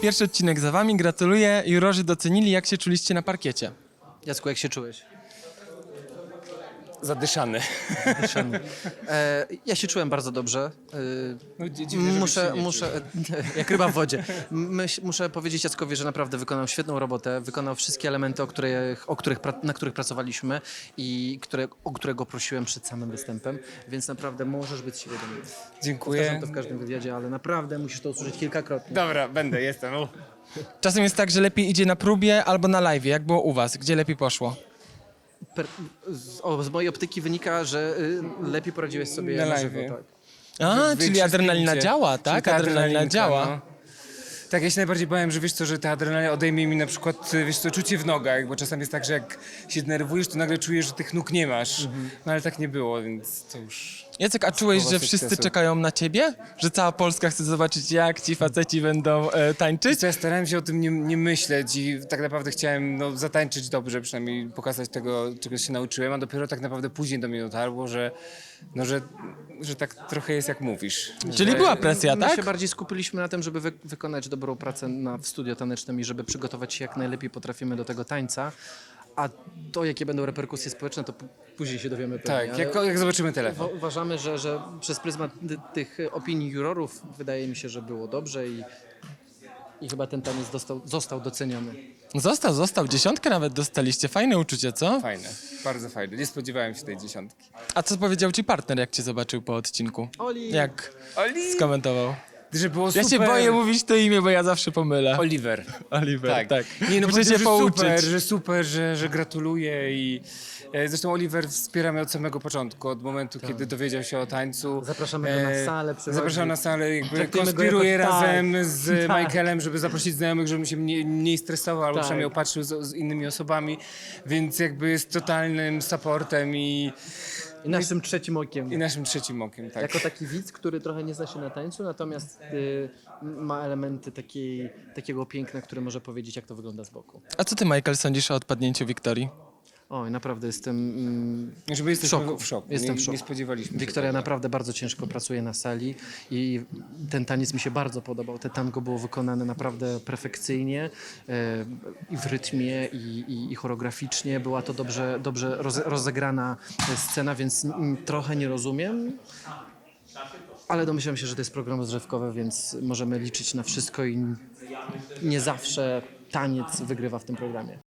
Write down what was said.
pierwszy odcinek za wami. Gratuluję. Jurorzy docenili, jak się czuliście na parkiecie. Jacku, jak się czułeś? Zadyszany. Ja się czułem bardzo dobrze. No, dziwne, żebyś się nie Muszę jak ryba w wodzie. Muszę powiedzieć Jackowi, że naprawdę wykonał świetną robotę, wykonał wszystkie elementy, na których pracowaliśmy i o którego prosiłem przed samym występem, więc naprawdę możesz być z siebie dumny. Dziękuję. Powtarzam to w każdym wywiadzie, ale naprawdę musisz to usłyszeć kilkakrotnie. Dobra, jestem. Czasem jest tak, że lepiej idzie na próbie albo na live'ie. Jak było u was? Gdzie lepiej poszło? Z mojej optyki wynika, że lepiej poradziłeś sobie Na na live'ie. żywo. Tak. A, czyli Większe adrenalina spięcie. działa, tak? Czyli ta Adrenalina adrenalinka, działa. no. Tak, ja się najbardziej bałem, że wiesz co, że ta adrenalina odejmie mi na przykład, wiesz co, czucie w nogach, bo czasem jest tak, że jak się denerwujesz, to nagle czujesz, że tych nóg nie masz. No ale tak nie było, więc to już... Jacek, a czułeś, Słowa że wszyscy sukcesu. czekają na ciebie? Że cała Polska chce zobaczyć, jak ci faceci będą tańczyć? Co, ja starałem się o tym nie myśleć i tak naprawdę chciałem zatańczyć dobrze, przynajmniej pokazać tego, czego się nauczyłem, a dopiero tak naprawdę później do mnie dotarło, że tak trochę jest jak mówisz. Czyli była presja, My tak? się bardziej skupiliśmy na tym, żeby wykonać dobrą pracę w studio tanecznym i żeby przygotować się jak najlepiej potrafimy do tego tańca, a to, jakie będą reperkusje społeczne, to później się dowiemy pewnie. Tak, jak zobaczymy telefon. Uważamy, że przez pryzmat tych opinii jurorów wydaje mi się, że było dobrze i chyba ten taniec został doceniony. Został. 10 nawet dostaliście. Fajne uczucie, co? Fajne, bardzo fajne. Nie spodziewałem się tej 10. A co powiedział ci partner, jak cię zobaczył po odcinku? Oli! Jak Oli! skomentował? Że było Ja super. się boję mówić to imię, bo ja zawsze pomylę. Oliver. Oliver, tak. Nie, no Muszę się powiedział, pouczyć. że super, że gratuluję i zresztą Oliver wspiera mnie od samego początku, od momentu, kiedy dowiedział się o tańcu. Zapraszamy go na salę, przychodzi. Zapraszam na salę, jakby Traktujemy go konspiruję jako- tak, razem z tak. Michaelem, żeby zaprosić znajomych, żebym się mniej stresował, albo Tak. przynajmniej opatrzył z innymi osobami, więc jakby jest totalnym supportem i I naszym trzecim okiem. naszym trzecim okiem, tak. Jako taki widz, który trochę nie zna się na tańcu, natomiast ma elementy takiego piękna, który może powiedzieć, jak to wygląda z boku. A co ty, Michael, sądzisz o odpadnięciu Wiktorii? Oj, naprawdę jestem Żeby jesteśmy szoku. w szoku. Jestem nie, w szoku. nie spodziewaliśmy się Wiktoria tego. naprawdę bardzo ciężko pracuje na sali i ten taniec mi się bardzo podobał. Te tango było wykonane naprawdę perfekcyjnie i w rytmie i choreograficznie. Była to dobrze rozegrana scena, więc trochę nie rozumiem. Ale domyślam się, że to jest program rozrywkowy, więc możemy liczyć na wszystko i nie zawsze taniec wygrywa w tym programie.